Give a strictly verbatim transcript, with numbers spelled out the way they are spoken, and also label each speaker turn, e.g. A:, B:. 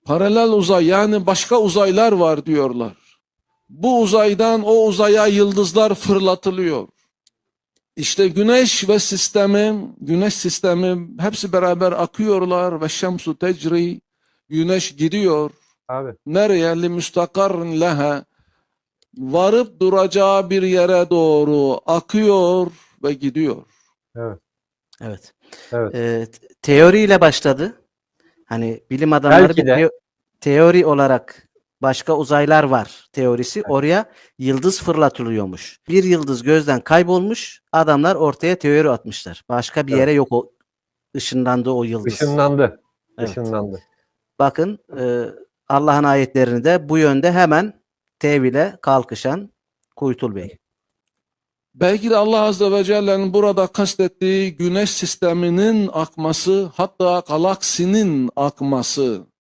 A: Paralel uzay, yani başka uzaylar var diyorlar. Bu uzaydan o uzaya yıldızlar fırlatılıyor. İşte güneş ve sistemi, güneş sistemi hepsi beraber akıyorlar ve şemsu tecri, güneş gidiyor.
B: Abi.
A: Nereye? Li müstakarrin leha, varıp duracağı bir yere doğru akıyor ve gidiyor.
B: Evet.
C: Evet.
B: Evet.
C: Ee, te- teoriyle başladı. Hani bilim adamları
B: Belki
C: bir
B: de.
C: teo- teori olarak başka uzaylar var teorisi. Oraya yıldız fırlatılıyormuş. Bir yıldız gözden kaybolmuş. Adamlar ortaya teori atmışlar. Başka bir
B: Evet.
C: yere yok o ışınlandı o yıldız.
B: Işınlandı.
C: Evet.
B: Işınlandı.
C: Bakın e, Allah'ın ayetlerini de bu yönde hemen tevhile kalkışan Kuytul Bey.
A: Belki de Allah Azze ve Celle'nin burada kastettiği güneş sisteminin akması, hatta galaksinin akması.